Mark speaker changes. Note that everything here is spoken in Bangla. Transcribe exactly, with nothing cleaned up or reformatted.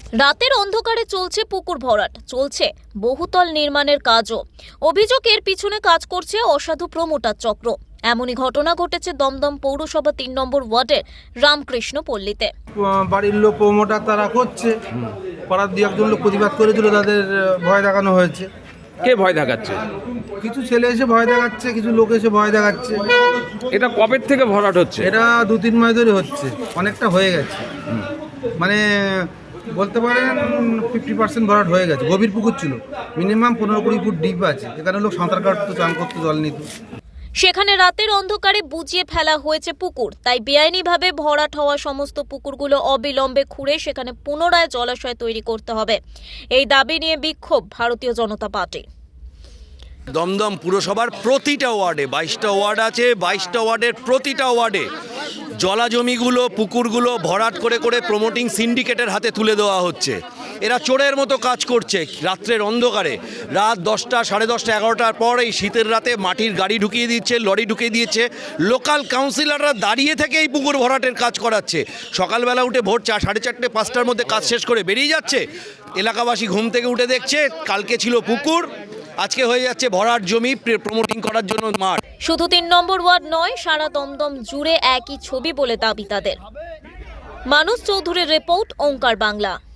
Speaker 1: রাতের অন্ধকারে চলছে পুকুর ভরাট, চলছে বহুতল নির্মাণের কাজও। অভিযোগের পিছনে কাজ করছে অসাধু প্রমোটার চক্র। এমনই ঘটনা ঘটেছে দমদম পৌরসভা তিন নম্বর ওয়ার্ডের রামকৃষ্ণ পল্লীতে।
Speaker 2: বাড়ির লোক প্রমোটার তারা করছে, পাড়ার দু একজন লোক প্রতিবাদ করেছিল, তাদের ভয় দেখানো হয়েছে।
Speaker 3: কে ভয় দেখাচ্ছে?
Speaker 2: কিছু ছেলে এসে ভয় দেখাচ্ছে, কিছু লোক এসে ভয় দেখাচ্ছে।
Speaker 3: এটা কবে থেকে ভরাট হচ্ছে?
Speaker 2: এটা দু তিন মাস ধরে হচ্ছে, অনেকটা হয়ে গেছে। মানে বলতে পারেন ফিফটি পার্সেন্ট ভরাট হয়ে গেছে। গভীর পুকুর ছিল, মিনিমাম পনেরো কুড়ি ফুট ডিপ আছে। এখানে লোক সাঁতার কাটতো, চান করতো, জল নিত।
Speaker 1: সেখানে রাতের অন্ধকারে বুঝিয়ে ফেলা হয়েছে পুকুর, তাই বেআইনিভাবে ভরাট হওয়া সমস্ত পুকুরগুলো অবিলম্বে খুঁড়ে সেখানে পুনরায় জলাশয় তৈরি করতে হবে। এই দাবি নিয়ে বিক্ষোভ ভারতীয় জনতা পার্টি।
Speaker 4: দমদম পুরসভার প্রতিটা ওয়ার্ডে বাইশটা ওয়ার্ড আছে, বাইশটা ওয়ার্ডের প্রতিটা ওয়ার্ডে জলা জমিগুলো, পুকুরগুলো ভরাট করে করে প্রমোটিং সিন্ডিকেটের হাতে তুলে দেওয়া হচ্ছে। এরা চোরের মতো কাজ করছে রাত্রের অন্ধকারে। রাত দশটা, সাড়ে দশটা, এগারোটার পর এই শীতের রাতে মাটির গাড়ি ঢুকিয়ে দিচ্ছে, লরি ঢুকিয়ে দিচ্ছে। লোকাল কাউন্সিলররা দাঁড়িয়ে থেকে এই পুকুর ভরাটের কাজ করাচ্ছে। সকালবেলা উঠে ভোর চা সাড়ে চারটে পাঁচটার মধ্যে কাজ শেষ করে বেরিয়ে যাচ্ছে। এলাকাবাসী ঘুম থেকে উঠে দেখছে কালকে ছিল পুকুর, আজকে হয়ে যাচ্ছে ভরাট জমি প্রমোটিং করার জন্য মাঠ।
Speaker 1: শুধু তিন নম্বর ওয়ার্ড নয়, সারা দমদম জুড়ে একই ছবি বলে দাবি তাদের। মানুষ চৌধুরীর রিপোর্ট, ওঙ্কার বাংলা।